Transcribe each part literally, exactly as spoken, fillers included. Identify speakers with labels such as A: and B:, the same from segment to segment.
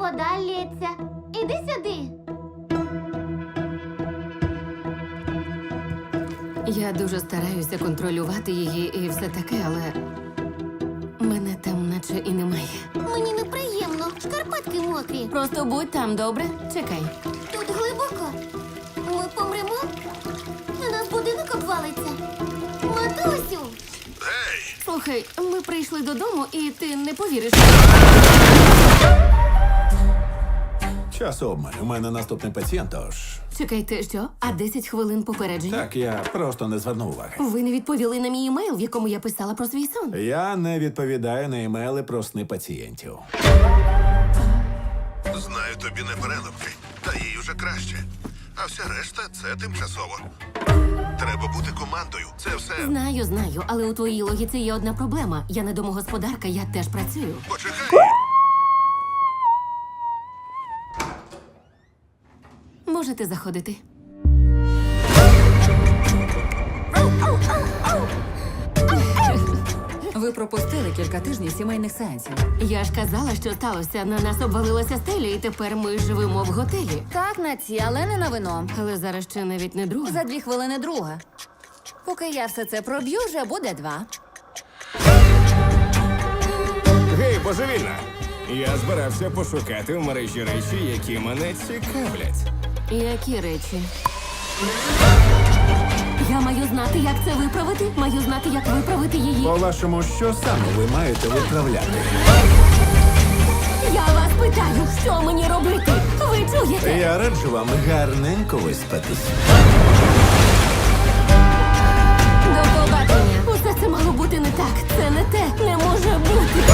A: вода лється. Іди сюди.
B: Я дуже стараюся контролювати її і все таке, але мене там наче і немає.
A: Мені неприємно. Шкарпетки мокрі.
B: Просто будь там, добре? Чекай.
A: Тут глибоко. Ми помремо? На нас будинок обвалиться. Матусю!
B: Слухай, ми прийшли додому, і ти не повіриш.
C: Час обмаль. У мене наступний пацієнт, тож...
B: Чекайте, що? А десять хвилин попередження?
C: Так, я просто не звернув уваги.
B: Ви не відповіли на мій емейл, в якому я писала про свій сон.
C: Я не відповідаю на імейли про сни пацієнтів.
D: Знаю, тобі не переливки, та їй уже краще. А вся решта це тимчасово. Треба бути командою. Це все.
B: Знаю, знаю, але у твоїй логіці є одна проблема. Я не домогосподарка, я теж працюю.
D: Почекай.
B: Можете заходити.
E: Ви пропустили кілька тижнів сімейних сеансів.
B: Я ж казала, що сталося. На нас обвалилася стеля, і тепер ми живемо в готелі.
E: Так, на ці, але не на вино.
B: Але зараз ще навіть не друга.
E: За дві хвилини друга. Поки я все це проб'ю, вже буде два.
F: Гей, божевільна! Я збирався пошукати в мережі речі, які мене цікавлять.
B: Які речі? Я маю знати, як це виправити. Маю знати, як виправити її.
C: По-вашому, що саме ви маєте виправляти?
B: Я вас питаю, що мені робити? Ви чуєте?
C: Я раджу вам гарненько виспатись.
B: До побачення. Усе це мало бути не так. Це не те. Не може бути.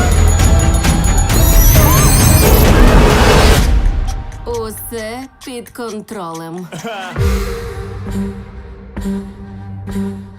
B: Усе під контролем.